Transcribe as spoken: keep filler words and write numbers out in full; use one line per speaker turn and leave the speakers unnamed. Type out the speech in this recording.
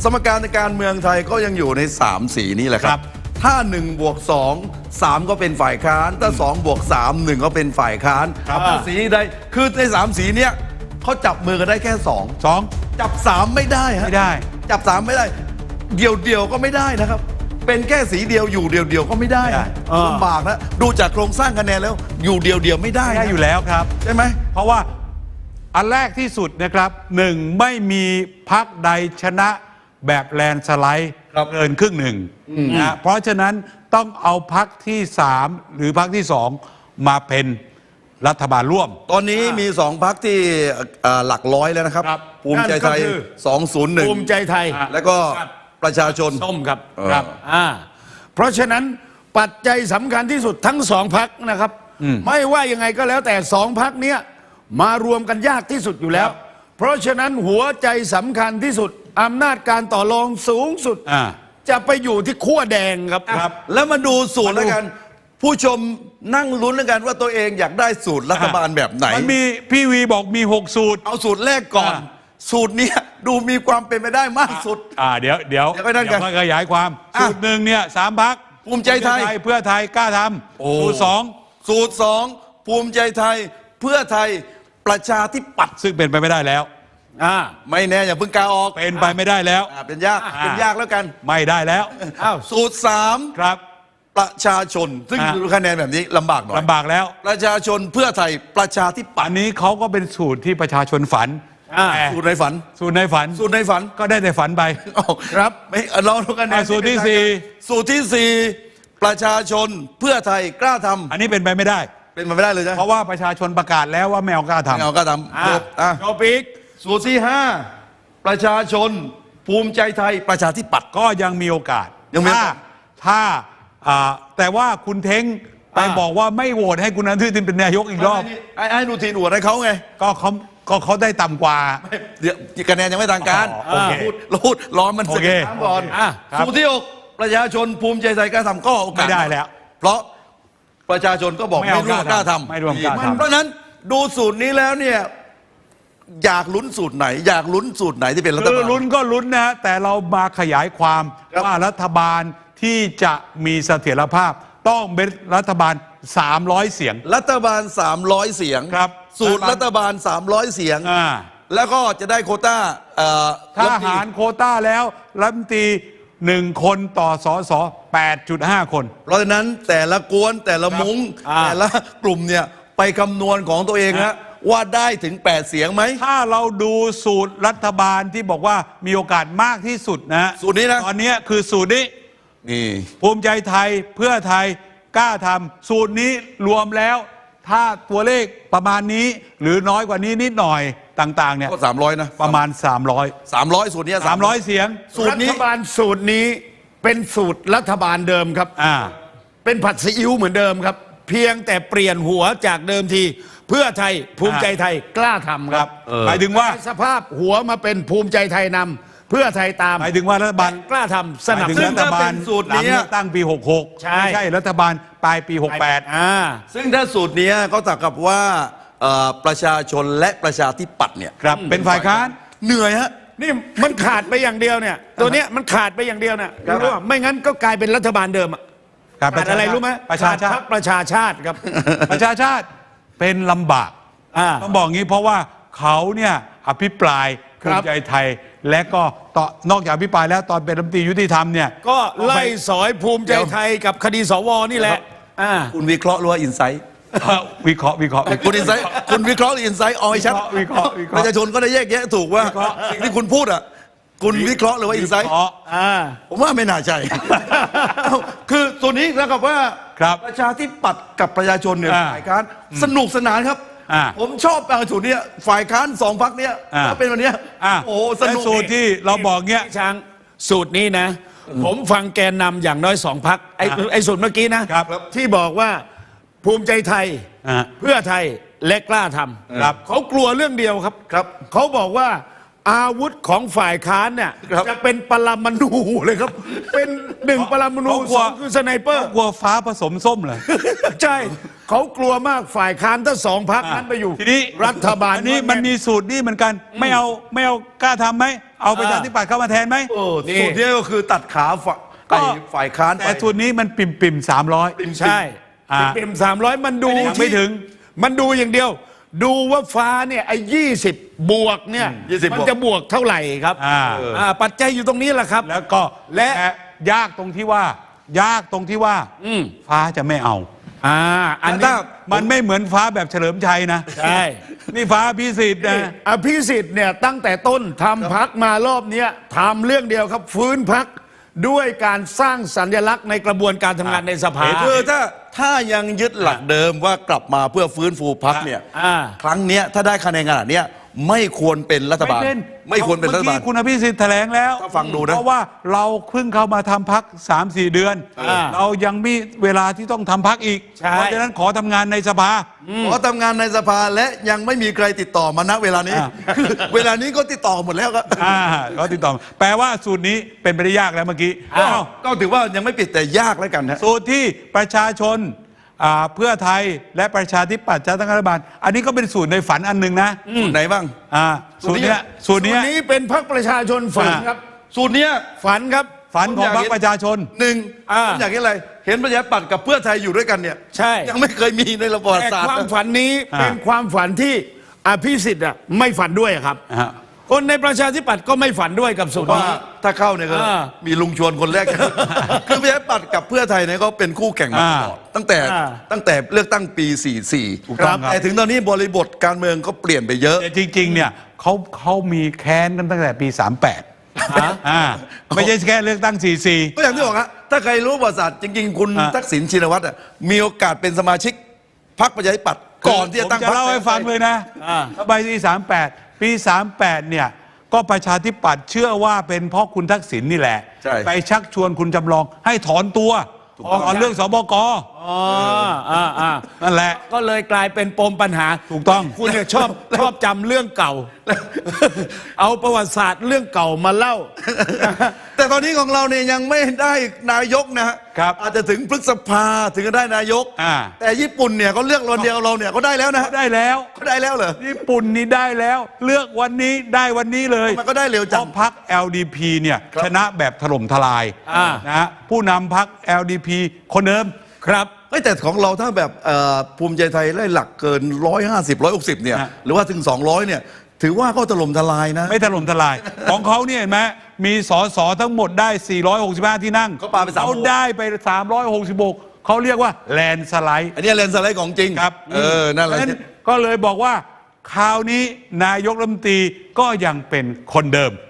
สมการในการเมืองไทยก็ยังอยู่ในสามสีนี้แหละครับถ้าหนึ่งบวกสอง สามก็เป็นฝ่ายค้านถ้าสองบวกสาม หนึ่งก็เป็นฝ่ายค้านถ้าสีใดคือในสามสีเนี้ยเขาจับมือกันได้แค่สอง
สอง
จับสามไม่ได้ฮะ
ไม่ได้
จับสามไม่ได้เดียวเดียวก็ไม่ได้นะครับเป็นแค่สีเดียวอยู่เดียวเดียวก็ไม่ได้ลำบากนะดูจากโครงสร้างคะแนนแล้วอยู่เดียวเดียวไม่ได้
ได้อยู่แล้วครับ
ใช่ไหม
เพราะว่าอันแรกที่สุดนะครับหนึ่งไม่มีพรรคใดชนะแบบแลนสไลด์เกินครึ่งหนึ่งนะเพราะฉะนั้นต้องเอาพรรคที่สามหรือพรรคที่สองมาเป็นรัฐบาลร่วม
ตอนนี้มีสองพรรคที่หลักร้อยแล้วนะครับภูมิใจไทยสองศูนย์หนึ่ง
ภูมิใจไทย
แล้วก็ประชาชน
ส้มครับครับอ่าเพราะฉะนั้นปัจจัยสำคัญที่สุดทั้งสองพรรคนะครับไม่ว่ายังไงก็แล้วแต่สองพรรคเนี้ยมารวมกันยากที่สุดอยู่แล้วเพราะฉะนั้นหัวใจสำคัญที่สุดอำนาจการต่อรองสูงสุดจะไปอยู่ที่ขั้วแดงครับ
ครับแล้วมาดูสูตรแล้วกันผู้ชมนั่งลุ้นแล้วกันว่าตัวเองอยากได้สูตรรัฐบาลแบบไหน
มันมีพี่วีบอกมีหกสูตร
เอาสูตรแรกก่อนสูตรนี้ดูมีความเป็นไปได้มากสุด
อ่าเดี๋ยวเดี๋ยว
เดี๋ยวมา
ขยายความสูตรหนึ่งเนี่ยสามพรรค
ภูมิใจไทย
เพื่อไทยกล้าทำสูตรสอง
สูตรสองภูมิใจไทยเพื่อไทยประชาธิปัตย์
ซึ่งเป็นไปไม่ได้แล้ว
อ่าไม่แน่อย่าเพิ่งกาออก
เป็นไปไม่ได้แล้ว
เป็นยากเป็นยากแล้วกัน
ไม่ได้แล้ว
อ้าวสูตรสาม
ครับ
ประชาชนซึ่งดูคะแนนแบบนี้ลำบากหน่อย
ลำบากแล้ว
ประชาชนเพื่อไทยประชาธิปัตย์
อันนี้เขาก็เป็นสูตรที่ประชาชนฝัน
สูตรในฝัน
สูตรในฝัน
สูตรในฝัน
ก็ได้แต่ฝันไป
ครับไม่ลองดูกันนะ
สูตรที่สี่
สูตรที่สี่ประชาชนเพื่อไทยกล้าทำ
อันนี้เป็นไปไม่ได้
เป็นไปไม่ได้เลยใช่
เพราะว่าประชาชนประกาศแล้วว่าไม่เอากล้าทำ
ไม่เอากล้าทำจบอ่ะ
จบอีก
สูตรที่ห้าประชาชนภูมิใจไทยประชาธิปัตย์
ก็ยังมีโอกาส
ยังมี
ถ้าถ้าแต่ว่าคุณเท้งไปบอกว่าไม่โหวตให้คุณอนุทินเป็นนายกอีกรอบ
ไอ้ไอ้อนุทินโหวตให้เขาไง
ก็เขาก็เขาได้ต่ำกว่า
เดี๋ยวคะแนนยังไม่ทางการพูดพูดร้อนมัน
สึก
น้ำก่อนสูตรที่หกประชาชนภูมิใจไทยกล้าทำก็โอกาส
ไม่ได้แล้ว
เพราะประชาชนก็บอกไม่ร่วมกล้าทำ
ไม่ร่วมกล้าทำ
เพราะนั้นดูสูตรนี้แล้วเนี่ยอยากลุ้นสูตรไหนอยากลุ้นสูตรไหนที่เป็นรัฐบาล
ลุ้นก็ลุ้นนะแต่เรามาขยายความว่ารัฐบาลที่จะมีเสถียรภาพต้องเป็นรัฐบาลสามร้อยเสียง
รัฐบาลสามร้อยเสียง
ครับ
สูตรรัฐบาลสามร้อยเสียงแล้วก็จะได้โควต้า
ถ้าหารโควต้าแล้วรัฐมนตรีหนึ่งคนต่อสส แปดจุดห้า คน
เพราะฉะนั้นแต่ละกวนแต่ละมุ้งแต่ละกลุ่มเนี่ยไปคำนวณของตัวเองนะว่าได้ถึงแปดเสียงไหม
ถ้าเราดูสูตรรัฐบาลที่บอกว่ามีโอกาสมากที่สุดนะ
สูตรนี้นะ
ตอนนี้คือสูตรนี้
นี่
ภูมิใจไทยเพื่อไทยกล้าทำสูตรนี้รวมแล้วถ้าตัวเลขประมาณนี้หรือน้อยกว่านี้นิดหน่อยต่างๆเนี่ย
ก็สามร้อยนะ
ประมาณสามร้อย
สามร้อยสูตรนี้
สามร้อยเสียง
สูตรนี้รัฐบาลสูตรนี้เป็นสูตรรัฐบาลเดิมครับ
อ่า
เป็นผัดซีอิ๊วเหมือนเดิมครับเพียงแต่เปลี่ยนหัวจากเดิมทีเพื่อไทยภูมิใจไทยกล้าทำครับ
หมายถึงว่า
สภาพหัวมาเป็นภูมิใจไทยนำเพื่อไทยตาม
หมายถึงว่ารัฐบาล
กล้าทำสนับสนุน
รัฐบาลสูตรนี้ตั้งปีหกหกไม่ใช่รัฐบาลปลายปีหกแปด
อ่าซึ่งถ้าสูตรนี้ก็เท่ากับว่าประชาชนและประชาธิปัตย์เนี่ย
ครับเป็นฝ่ายค้าน
เหนื่อยฮะ
นี่มันขาดไปอย่างเดียวเนี่ยตัวเนี้ยมันขาดไปอย่างเดียวเนี่ยรู้ว่าไม่งั้นก็กลายเป็นรัฐบาลเดิมอะขาดอะไรรู้ไหม
ประชาชาติ
ประชาชาติครับ
ประชาชาติเป็นลำบากต้องบอกงี้เพราะว่าเขาเนี่ยอภิปรายภูมิใจไทยและก็ต่อนอกจากอภิปรายแล้วตอนเป็นรัฐมนตรียุติธรรมเนี่ย
ก็ไล่สอยภูมิใจไทยกับคดีสวนี่แหละ
คุณวิเคราะห์หรือว่าอินไซต์
วิเคราะห์วิเคราะห์
คุณอินไซต์คุณวิเคราะห์หรืออินไซต์เอาให้ชัด
วิเคราะห์
ประชาชนก็ได้แยกแยะถูกว่าสิ่งที่คุณพูดอ่ะคุณวิเคราะห์หรือว่าอินไซต์ผมว่าไม่น่าใช่คือส่วนนี้แล้วกับว่าประชาธิปัตย์กับประชาชนเนี่ยฝ่ายค้านสนุกสนานครับผมชอบการสูตรนี้ฝ่ายค้านสองพรรคเนี้ยถ้าเป็นวันนี้โอ้สนุก
สูตรที่เราบอกเงี้ย
ช้างสูตรนี้นะผมฟังแกนนำอย่างน้อยสองพรรคไอ้ไอ้สูตรเมื่อกี้นะที่บอกว่าภูมิใจไทยเพื่อไทยและกล้าทำเขากลัวเรื่องเดียวครับครับเขาบอกว่าอาวุธของฝ่ายค้านเนี่ยจะเป็นปรมาณูเลยครับเป็นหนึ่งปรมาณูสองคือสไนเปอร์
กลัวฟ้าผสมส้มเลย
ใช่เขากลัวมากฝ่ายค้านถ้าสองพรรคนั้นไปอยู่
ทีนี้
รัฐบาล
นี้มันมีสูตรนี้เหมือนกันไม่เอาไม่เอากล้าทำไหมเอาประชาธิปัตย์เข้ามาแทนไหม
โอ้
นี่
สูตรนี้ก็คือตัดขาฝ่าย
ก็
ฝ่ายค้านไป
แต่สูตรนี้มันปิ่มปิ่มสามร้อย
ใช่
อ่า
เป็นสามร้อยมันดู
ยังไม่ถึง
มันดูอย่างเดียว ดูว่าฟ้าเนี่ยไอ้ยี่สิบบวกเนี่ย
ยี่สิบ
มัน
บวก
จะบวกเท่าไหร่ครับ
อ่า
อ่าปัจจัยอยู่ตรงนี้แหละครับ
แล้วก็
และ
และยากตรงที่ว่า ยากตรงที่ว่า
อืม
ฟ้าจะไม่เอา
อ่าอัน
ถ้า
นี้
มันไม่เหมือนฟ้าแบบเฉลิมชัยนะ
ใช่
นี่ฟ้าพิสิทธิ์นะ
อภิสิทธิ์เนี่ยตั้งแต่ต้นทำพักมารอบเนี้ยทำเรื่องเดียวครับ ฟื้นพักด้วยการสร้างสัญลักษณ์ในกระบวนการทำงานในสภา
คือถ้าถ้ายังยึดหลักเดิมว่ากลับมาเพื่อฟื้นฟูพรรคเนี่ย
อ่า
ครั้งเนี้ยถ้าได้คะแนนขนาดเนี้ยไม่ควรเป็นรัฐบาล ไม่ควรเป็นรัฐบาล
มื่อกี้คุณอภิสิทธิ์แถลงแล้ว
ก็ฟังดูนะ
เพราะว่าเราเพิ่งเข้ามาทำพักสามสี่เดือน
อ่า
เรายังมีเวลาที่ต้องทำพักอีก
ใช่
เพราะฉะนั้นขอทำงานในสภา
ขอทำงานในสภาและยังไม่มีใครติดต่อมาณเวลานี้
อ่า
คือเวลานี้ก็ติดต่อหมดแล้วก็
อ่าก็ติดต่อมาแปลว่าสูตรนี้เป็นไปได้ยากแล้วเมื่อกี้
อ้าว
อ้าว
ก็ถือว่ายังไม่ปิดแต่ยากแล้วกันฮะ
สูตรที่ประชาชนอ่าเพื่อไทยและประชาธิปัตย์จะตั้งรัฐบาล อันนี้ก็เป็นสูตรในฝันอันหนึ่งนะ
สูตรไหนบ้าง
อ่าสูตรเนี้ยสูตร
ส่
เนี้
วย นนี้เป็นพักประชาชนฝันครับ
สูตรเนี้ย
ฝันครับ
ฝันของพรรคประชาชน
หนึ่ง
อ่า
ผมอยากเห็นอะไร เห็นประชาธิปัตย์กับเพื่อไทยอยู่ด้วยกันเนี่ย
ใช่
ยังไม่เคยมีในระบอบ
แต่
ศาสตร์
ความ
นะ
ฝันนี้
อ่า
เป็นความฝันที่อภิสิทธิ์อ่ะไม่ฝันด้วยอะครับ
อ่า
คนในประชาธิปัตย์ก็ไม่ฝันด้วยกับสูตร
ว่า
นี้
ถ้าเข้าเนี่ยก็
อ่า
มีลุงชวนคนแรก คือประชาธิปัตย์กับเพื่อไทยเนี่ยก็เป็นคู่แข่งมาตลอดตั้งแต่
อ่า
ตั้งแต่เลือกตั้งปีสี่สิบสี่
ถูกต้องครับ
แต่ถึงตอนนี้บริบทการเมืองก็เปลี่ยนไปเยอะ
แต่จริงๆ เนี่ยเขาเขามีแค้นกันตั้งแต่ปีสามแปดอ่าไม่ใช่แค่เลือกตั้งสี่สี่
ก็อย่างที่บอกฮะถ้าใครรู้ประวัติศาสตร์จริงๆ คุณ
อ่ะ
ทักษิณชินวัตรอ่ะมีโอกาสเป็นสมาชิกพรรคประชาธิปัตย์ก่อนที่จะตั้ง
ผมจะ
พรรค
เล่าให้ฟังเลยนะ
อ่า
ใบปีสามแปดปีสามแปดเนี่ยก็ประชาธิปัตย์เชื่อว่าเป็นเพราะคุณทักษิณนี่แหละ
ใช่
ไปชักชวนคุณจำลองให้ถอนตัวตอนเรื่องสบก
อ๋ออ่าอ่า
นั่นแหละ
ก็เลยกลายเป็นปมปัญหา
ถูกต้อง
คุณเนี่ยชอบชอบจำเรื่องเก่า เอาประวัติศาสตร์เรื่องเก่ามาเล่า
แต่ตอนนี้ของเราเนี่ยยังไม่ได้นายกนะฮะ
ครับ
อาจจะถึงพฤษภาถึงจะได้นายก
อ่า
แต่ญี่ปุ่นเนี่ยเขาเลือกวันเดียวเราเนี่ยก็ได้แล้วนะฮะ
ได้แล้ว
เขาได้แล้วเหรอ
ญี่ปุ่นนี่ได้แล้ว เลือกวันนี้ได้วันนี้เลย
มันก็ได้เร็ว
เพ
จัง
ราะพรรค แอล ดี พี เนี่ย
ครับ
ชนะแบบถล่มทลาย
อ่า
นะฮะผู้นำพรรค แอล ดี พี คนเดิม
ครับ
เฮ้ยแต่ของเราถ้าแบบเอ่อภูมิใจไทยได้หลักเกินร้อยห้าสิบร้อยหกสิบเนี่ย
ฮะ
หรือว่าถึงสองร้อยเนี่ยถือว่าก็ถล่มทลายนะ
ไม่ถล่มทลาย ของเขาเนี่ยเห็นไหมมีสสทั้งหมดได้ สี่ร้อยหกสิบห้า ที่นั่ง
เขาปาไปสามสิบหก
เขาได้ไป สามร้อยหกสิบหก เขาเรียกว่าแลนสไลด์
อันนี้เลนส์สไลด์ของจริง
ครับ
เออนั่นแหละ
เพราะฉะก็เลยบอกว่าคราวนี้นายกรัฐมนตรีก็ยังเป็นคนเดิม